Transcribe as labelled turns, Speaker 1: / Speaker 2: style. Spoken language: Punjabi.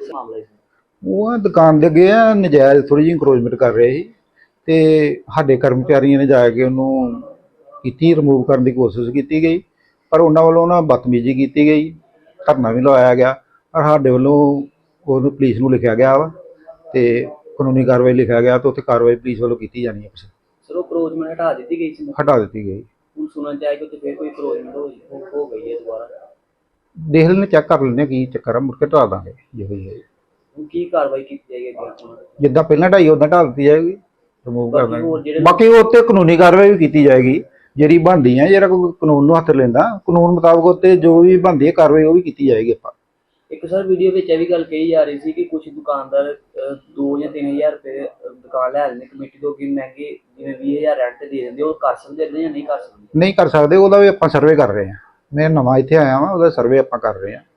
Speaker 1: ਉਹ ਦੁਕਾਨ ਦੇ ਅੱਗੇ ਆ ਨਜਾਇਜ਼ ਥੋੜੀ ਜਿਹੀ ਇੰਕਰੋਚਮੈਂਟ ਕਰ ਰਹੇ ਸੀ ਤੇ ਸਾਡੇ ਕਰਮਚਾਰੀਆਂ ਨੇ ਜਾ ਕੇ ਉਹਨੂੰ ਕੀਤੀ, ਰਿਮੂਵ ਕਰਨ ਦੀ ਕੋਸ਼ਿਸ਼ ਕੀਤੀ ਗਈ, ਪਰ ਉਹਨਾਂ ਵੱਲੋਂ ਨਾ ਬਦਤਮੀਜ਼ੀ ਕੀਤੀ ਗਈ, ਧਰਨਾ ਵੀ ਲਵਾਇਆ ਗਿਆ। ਪਰ ਸਾਡੇ ਵੱਲੋਂ ਉਹਨੂੰ ਪੁਲਿਸ ਨੂੰ ਲਿਖਿਆ ਗਿਆ ਵਾ ਤੇ ਕਾਨੂੰਨੀ ਕਾਰਵਾਈ ਲਿਖਿਆ ਗਿਆ ਤੇ ਉੱਥੇ ਕਾਰਵਾਈ ਪੁਲਿਸ ਵੱਲੋਂ ਕੀਤੀ ਜਾਣੀ ਹੈ।
Speaker 2: ਸਰ ਉਹ ਕਰੋਚਮੈਂਟ ਹਟਾ ਦਿੱਤੀ ਗਈ ਸੀ?
Speaker 1: ਹਟਾ ਦਿੱਤੀ ਗਈ।
Speaker 2: ਹੁਣ ਸੁਣਨ ਚ ਆਇਆ ਕਿ ਉੱਥੇ ਫਿਰ ਕੋਈ ਕਰੋਚਮੈਂਟ ਹੋ ਗਈ ਹੈ ਦੁਬਾਰਾ।
Speaker 1: ਦੇਖ ਲੈਂਦੇ, ਚੈੱਕ ਕਰ ਲੈਂਦੇ ਕੀ ਚੱਕਰ ਆ, ਮੁੜ ਕੇ ਢਾਲ ਦਾਂਗੇ ਜੇ ਹੋਈ ਹੈ।
Speaker 2: ਹੁਣ ਕੀ ਕਾਰਵਾਈ ਕੀਤੀ ਜਾਏਗੀ ਅੱਗੇ?
Speaker 1: ਜਿੱਦਾਂ ਪਹਿਲਾਂ ਢਾਈ ਉੱਦਾਂ ਢਾਲ ਦਿੱਤੀ ਜਾਏਗੀ, ਰਿਮੂਵ ਕਰ ਦਾਂਗੇ। ਬਾਕੀ ਉਹ ਉੱਤੇ ਕਾਨੂੰਨੀ ਕਾਰਵਾਈ ਵੀ ਕੀਤੀ ਜਾਏਗੀ ਜਿਹੜੀ ਬਣਦੀ ਹੈ। ਜਿਹੜਾ ਕੋਈ ਕਾਨੂੰਨ ਨੂੰ ਹੱਥ ਲੈਂਦਾ, ਕਾਨੂੰਨ ਮੁਤਾਬਕ ਉੱਤੇ ਜੋ ਵੀ ਬਣਦੀ ਹੈ ਕਾਰਵਾਈ ਉਹ ਵੀ ਕੀਤੀ ਜਾਏਗੀ। ਆਪਾਂ
Speaker 2: ਇੱਕ ਸਰ ਵੀਡੀਓ ਵਿੱਚ ਇਹ ਵੀ ਗੱਲ ਕਹੀ ਜਾ ਰਹੀ ਸੀ ਕਿ ਕੁਝ ਦੁਕਾਨਦਾਰ 2 ਜਾਂ 3000 ਰੁਪਏ ਦੁਕਾਨ ਲੈ ਲੈਂਦੇ ਕਮੇਟੀ ਤੋਂ, ਕਿ ਮਹਿੰਗੇ ਜਿਵੇਂ 20000 ਰੈਂਟ ਤੇ ਦੇ ਦਿੰਦੇ, ਉਹ ਕਰ ਸਕਦੇ ਜਾਂ ਨਹੀਂ ਕਰ ਸਕਦੇ?
Speaker 1: ਨਹੀਂ ਕਰ ਸਕਦੇ, ਉਹਦਾ ਵੀ ਆਪਾਂ ਸਰਵੇ ਕਰ ਰਹੇ ਹਾਂ। ਮੈਂ ਨਵਾਂ ਇੱਥੇ ਆਇਆ ਵਾਂ, ਉਹਦਾ ਸਰਵੇ ਆਪਾਂ ਕਰ ਰਹੇ ਹਾਂ।